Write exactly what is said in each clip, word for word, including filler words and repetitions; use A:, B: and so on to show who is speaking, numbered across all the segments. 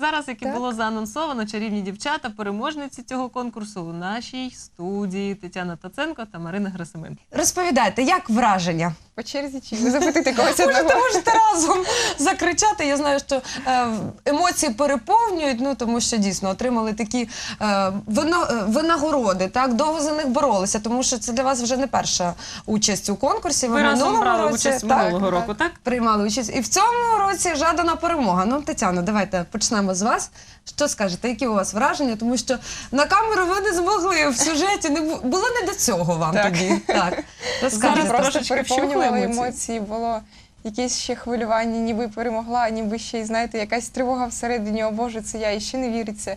A: зараз, як і
B: Так.
A: було заанонсовано, чарівні дівчата, переможниці цього конкурсу у нашій студії Тетяна Таценко та Марина Герасименко.
C: Розповідайте, як враження?
B: По черзі чи ви запитати когось
C: Можете,
B: одного?
C: можете разом закричати. Я знаю, що е, емоції переповнюють, ну тому що дійсно отримали такі е, вино, е, винагороди, так, довго за них боролися, тому що це для вас вже не перша участь у конкурсі.
A: Ви разом
C: минулому
A: брали
C: році,
A: участь
C: так,
A: минулого року, так?
C: приймали участь. І в цьому році жадана перемога. Ну, Тетяно, давайте почнемо з вас. Що скажете, які у вас враження? Тому що на камеру ви не змогли в сюжеті, не бу- було не до цього вам
B: Так.
C: тоді. Так. Розкажіть.
A: Зараз
B: Просто
A: трошечки
B: переповнювали
A: вщухли емоції.
B: емоції, було якесь ще хвилювання, ніби перемогла, ніби ще й, знаєте, якась тривога всередині, о Боже, це я, і ще не віриться.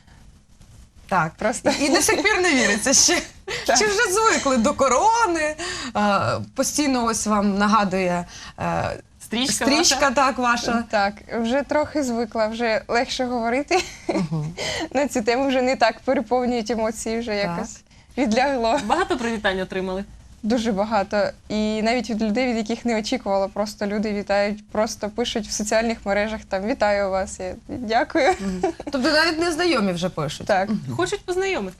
C: Так,
B: Просто.
C: і до сих пір не віриться ще.
B: Так.
C: Чи вже звикли до корони? Е, постійно ось вам нагадує е,
A: Стрічка,
C: стрічка
A: ваша?
C: так, ваша.
B: Так, вже трохи звикла, вже легше говорити на цю тему, вже не так переповнюють емоції, вже якось відлягло.
A: Багато привітань отримали?
B: Дуже багато. І навіть від людей, від яких не очікувала, просто люди вітають, просто пишуть в соціальних мережах, там, вітаю вас, я дякую.
C: Тобто навіть незнайомі вже пишуть.
B: Так.
A: Хочуть познайомити.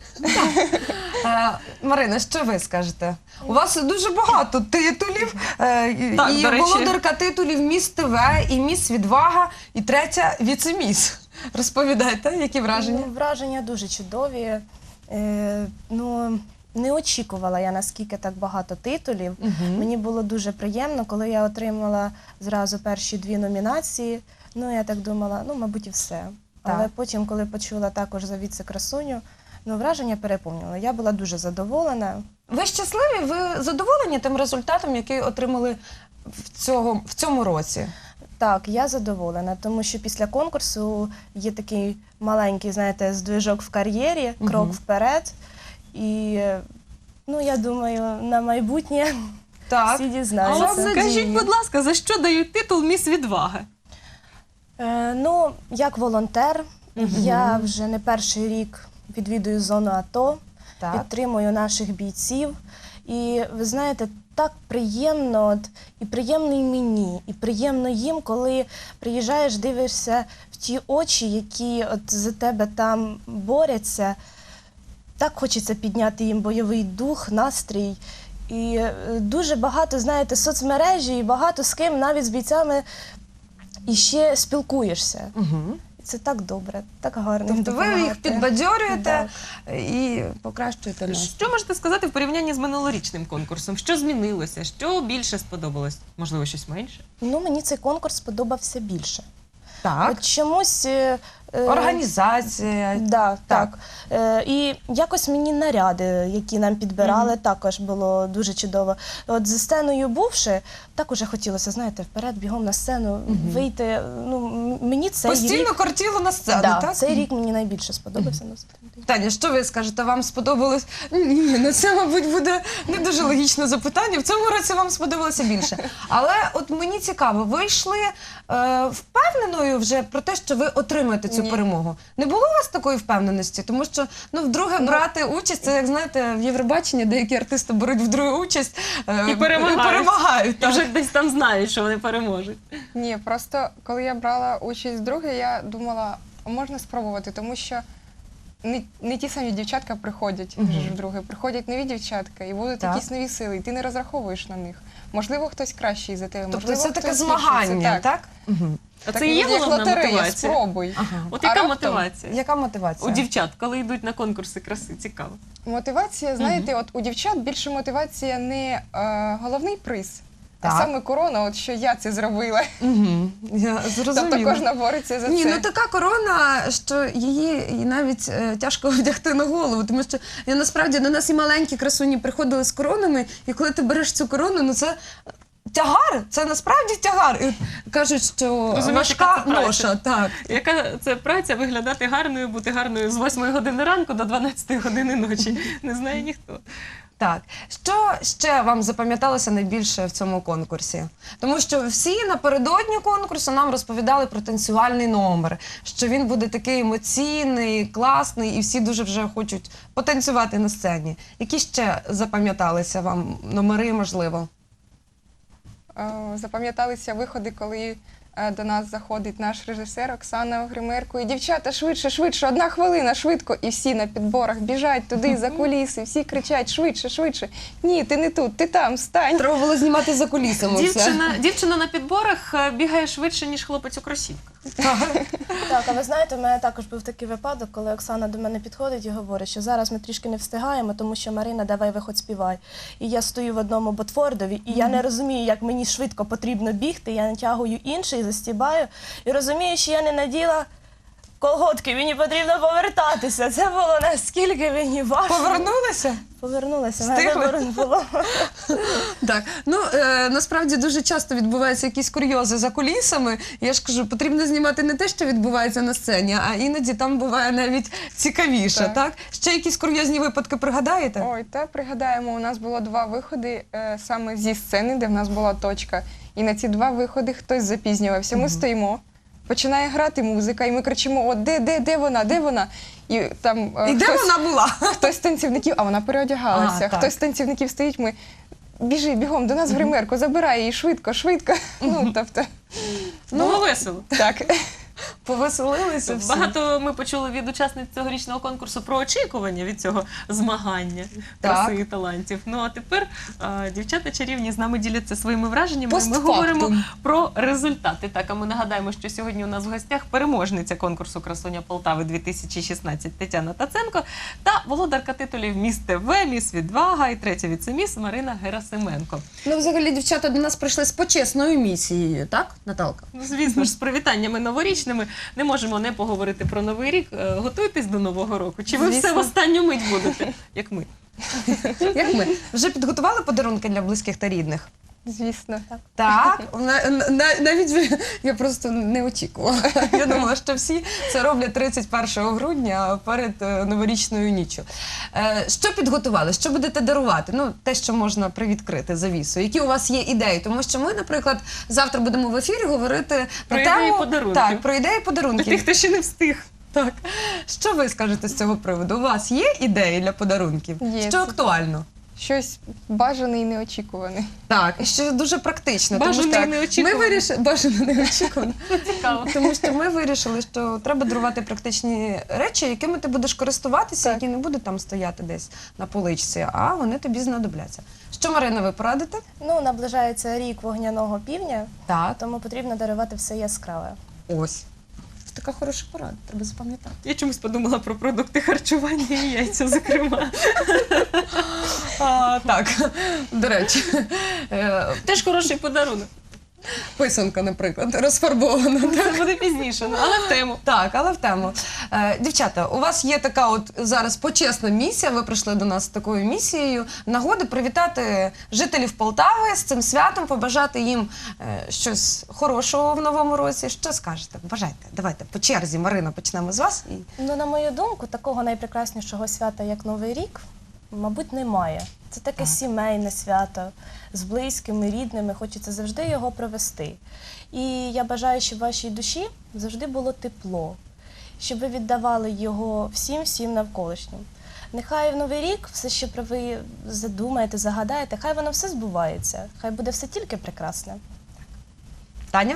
C: Е, Марина, що ви скажете? У вас дуже багато титулів. Е, і-
A: Так,
C: і
A: до речі.
C: володарка титулів «Міс ТВ», і «Міс Відвага», і третя «Віцеміс». Розповідайте, які враження?
D: Ну, враження дуже чудові. Е, ну, не очікувала я, наскільки так багато титулів.
C: Мгм.
D: Мені було дуже приємно, коли я отримала зразу перші дві номінації. Ну, я так думала, ну, мабуть, і все. Але
C: Так.
D: потім, коли почула також за віце-красуню, ну, враження переповнювало. Я була дуже задоволена.
C: Ви щасливі? Ви задоволені тим результатом, який отримали в, цього, в цьому році?
D: Так, я задоволена, тому що після конкурсу є такий маленький, знаєте, здвижок в кар'єрі, крок
C: Мгм.
D: вперед. І, ну, я думаю, на майбутнє
C: Так.
D: всі
A: А
D: дізнаються.
A: от скажіть, будь ласка, за що дають титул «Міс Відвага»?
D: Е, ну, як волонтер, я вже не перший рік відвідую зону АТО,
C: Так.
D: підтримую наших бійців. І ви знаєте, так приємно, от, і приємно і мені, і приємно їм, коли приїжджаєш, дивишся в ті очі, які от за тебе там борються. Так хочеться підняти їм бойовий дух, настрій. І е, дуже багато, знаєте, соцмережі, і багато з ким, навіть з бійцями, і ще спілкуєшся.
C: Угу.
D: Це так добре, так гарно.
C: Тобто ви їх
D: допомагати.
C: підбадьорюєте і покращуєте настрій.
A: Що можете сказати в порівнянні з минулорічним конкурсом? Що змінилося? Що більше сподобалось? Можливо, щось менше?
D: Ну, мені цей конкурс сподобався більше.
C: Так.
D: От чомусь... е, е,
C: Організація.
D: Да,
C: Так.
D: так. Е, і якось мені наряди, які нам підбирали, також було дуже чудово. От за сценою бувши, так уже хотілося, знаєте, вперед, бігом на сцену, вийти. Ну, м- мені цей
C: Постійно
D: рік...
C: кортіло на сцену,
D: Да,
C: так?
D: цей рік мені найбільше сподобався. насправді.
C: Таня, що ви скажете? Вам сподобалось? Ні, ну це, мабуть, буде не дуже логічне запитання. В цьому році вам сподобалося більше. Але от мені цікаво, ви йшли е, впевненою вже про те, що ви отримаєте цю
B: Ні.
C: перемогу? Не було у вас такої впевненості? Тому що, ну, вдруге брати участь, це, як знаєте, в Євробаченні деякі артисти беруть вдруге участь е,
A: І перемагають.
C: перемагають,
A: І
C: так.
A: вже десь там знають, що вони переможуть.
B: Ні, просто коли я брала участь вдруге, я думала, а можна спробувати, тому що не, не ті самі дівчатка приходять
C: Мгм.
B: вже ж вдруге, приходять нові дівчатка і будуть
C: Так.
B: якісь нові сили, і ти не розраховуєш на них. Можливо, хтось кращий за тебе,
C: Тобто
B: можливо,
C: це таке
B: хтось
C: змагання,
B: гірший.
C: так? Мгм.
A: А
B: Так,
A: це і є
B: як
A: головна
B: лотерея,
A: мотивація?
B: спробуй.
C: Ага.
A: От
B: А
A: яка
B: раптом-
A: мотивація?
C: Яка мотивація?
A: У дівчат, коли йдуть на конкурси краси, цікаво.
B: Мотивація, знаєте, от у дівчат більше мотивація не е, головний приз,
C: Так.
B: а саме корона, от що я це зробила.
C: Угу. Я зрозуміла.
B: Тобто кожна бореться за
C: Ні,
B: це.
C: ну така корона, що її і навіть е, тяжко вдягти на голову, тому що я, насправді до нас і маленькі красуні приходили з коронами, і коли ти береш цю корону, ну це тягар, це насправді тягар. І кажуть, що
A: Розумієте,
C: важка
A: яка це праця?
C: ноша, так.
A: Яка це праця виглядати гарною, бути гарною з восьмої години ранку до дванадцятої години ночі? Не знає ніхто.
C: Так, що ще вам запам'яталося найбільше в цьому конкурсі? Тому що всі напередодні конкурсу нам розповідали про танцювальний номер, що він буде такий емоційний, класний, і всі дуже вже хочуть потанцювати на сцені. Які ще запам'яталися вам номери, можливо?
B: Е, Запам'яталися виходи, коли е, до нас заходить наш режисер Оксана Огримерко. І дівчата, швидше, швидше, одна хвилина, швидко. І всі на підборах біжать туди, за куліси, всі кричать швидше, швидше. Ні, ти не тут, ти там, стань.
C: Треба було знімати за кулісами все.
A: Дівчина, дівчина на підборах е, бігає швидше, ніж хлопець у кросівках.
D: Так, а ви знаєте, у мене також був такий випадок, коли Оксана до мене підходить і говорить, що зараз ми трішки не встигаємо, тому що Марина, давай виходь співай. І я стою в одному ботфордові, і я не розумію, як мені швидко потрібно бігти, я натягую інший, застібаю, і розумію, що я не наділа колготки, мені потрібно повертатися. Це було наскільки мені важко.
C: Повернулися?
D: Повернулася,
C: Встигли?
D: мене вибору не було.
C: Так, ну е, насправді дуже часто відбуваються якісь курйози за кулісами. Я ж кажу, потрібно знімати не те, що відбувається на сцені, а іноді там буває навіть цікавіше, так?
B: Так.
C: Ще якісь курйозні випадки пригадаєте?
B: Ой, та пригадаємо, у нас було два виходи е, саме зі сцени, де в нас була точка. І на ці два виходи хтось запізнювався. Ми стоїмо, починає грати музика, і ми кричимо: «О, де, де, де вона, де вона?» І там е,
C: І де
B: хтось,
C: вона була?
B: хтось з танцівників, а вона переодягалася,
C: А, так.
B: хтось з танцівників стоїть, ми біжи, бігом до нас в гримерку, забирай її швидко, швидко. Ну, тобто,
A: Було весело.
B: так.
C: Повеселилися всі.
A: Багато ми почули від учасниць цьогорічного конкурсу про очікування від цього змагання краси і талантів. Ну а тепер а, дівчата чарівні з нами діляться своїми враженнями. Ми
C: Постфактум.
A: говоримо про результати. Так, а ми нагадаємо, що сьогодні у нас в гостях переможниця конкурсу «Красуня Полтави дві тисячі шістнадцять» Тетяна Таценко та володарка титулів «Міс ТВ», «Міс Відвага» і третя віцеміс Марина Герасименко.
C: Ну, взагалі, дівчата до нас прийшли з почесною місією, так, Наталка?
A: Ну, звісно ж, з привітаннями новорічними не можемо не поговорити про Новий рік. Е, Готуйтесь до Нового року. Чи ви
C: Звісно.
A: все в останню мить будете, як ми?
C: Як ми? Вже підготували подарунки для близьких та рідних?
B: Звісно.
C: Так, на- на- навіть ви- я просто не очікувала. Я думала, що всі це роблять тридцять першого грудня перед е, новорічною ніччю. Е, Що підготували? Що будете дарувати? Ну, те, що можна привідкрити завісу. Які у вас є ідеї? Тому що ми, наприклад, завтра будемо в ефірі говорити
A: Про
C: на
A: ідеї
C: тему
A: подарунків.
C: Так, про ідеї
A: Для
C: подарунків.
A: тих, хто ще не встиг.
C: Так. Що ви скажете з цього приводу? У вас є ідеї для подарунків?
B: Є.
C: Що актуально?
B: Щось бажане і неочікуване.
C: Так, і що дуже практично.
A: Бажано
C: тому що
A: і неочікувано.
C: Ми вирішили, бажано неочікувано.
A: Цікаво.
C: Тому що ми вирішили, що треба дарувати практичні речі, якими ти будеш користуватися,
B: Так.
C: які не будуть там стояти десь на поличці, а вони тобі знадобляться. Що, Марина, ви порадите?
D: Ну, наближається рік вогняного півня,
C: Так.
D: тому потрібно дарувати все яскраве.
C: Ось. Така хороша порада, треба запам'ятати.
A: Я чомусь подумала про продукти харчування і яйця, зокрема.
C: А, так, до речі, е,
A: Теж хороший подарунок.
C: писанка, наприклад, розфарбована.
A: Це буде пізніше, ну, але в тему.
C: Так, але в тему. Е, дівчата, у вас є така от зараз почесна місія, ви прийшли до нас з такою місією, нагоди привітати жителів Полтави з цим святом, побажати їм е, щось хорошого в новому році. Що скажете? Бажайте, давайте по черзі, Марина, почнемо з вас. І...
D: Ну, на мою думку, такого найпрекраснішого свята, як Новий рік, мабуть, немає. Це таке
C: Так.
D: сімейне свято з близькими, рідними, хочеться завжди його провести. І я бажаю, щоб в вашій душі завжди було тепло, щоб ви віддавали його всім-всім навколишнім. Нехай в Новий рік все, що про ви задумаєте, загадаєте, хай воно все збувається, хай буде все тільки прекрасне.
C: Таня?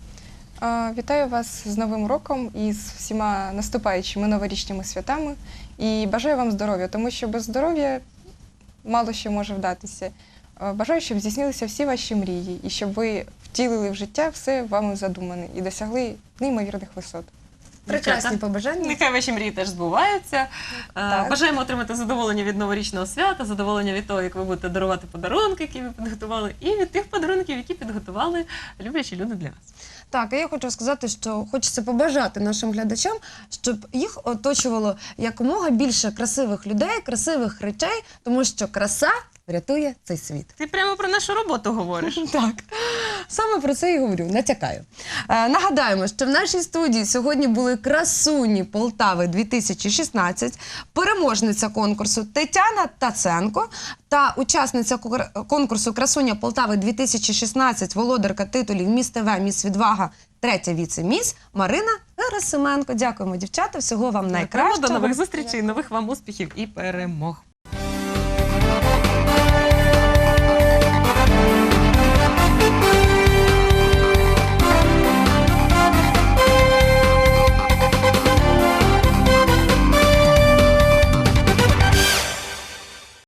B: А, Вітаю вас з Новим роком і з всіма наступаючими новорічними святами. І бажаю вам здоров'я, тому що без здоров'я мало що може вдатися. А, Бажаю, щоб здійснилися всі ваші мрії і щоб ви втілили в життя все вами задумане і досягли неймовірних висот.
C: Прекрасні
A: Дівчата,
C: побажання.
A: Нехай ваші мрії теж збуваються. Е,
C: Так.
A: Бажаємо отримати задоволення від новорічного свята, задоволення від того, як ви будете дарувати подарунки, які ви підготували, і від тих подарунків, які підготували люблячі люди для вас.
C: Так, і я хочу сказати, що хочеться побажати нашим глядачам, щоб їх оточувало якомога більше красивих людей, красивих речей, тому що краса врятує цей світ.
A: Ти прямо про нашу роботу говориш.
C: Так, саме про це і говорю, натякаю. Е, нагадаємо, що в нашій студії сьогодні були красуні Полтави дві тисячі шістнадцять, переможниця конкурсу Тетяна Таценко та учасниця кор- конкурсу Красуня Полтави дві тисячі шістнадцять, володарка титулів «Міс ТВ», «Міс Відвага», третя віце-міс Марина Герасименко. Дякуємо, дівчата, всього вам найкращого.
A: До нових зустрічей, нових вам успіхів і перемог.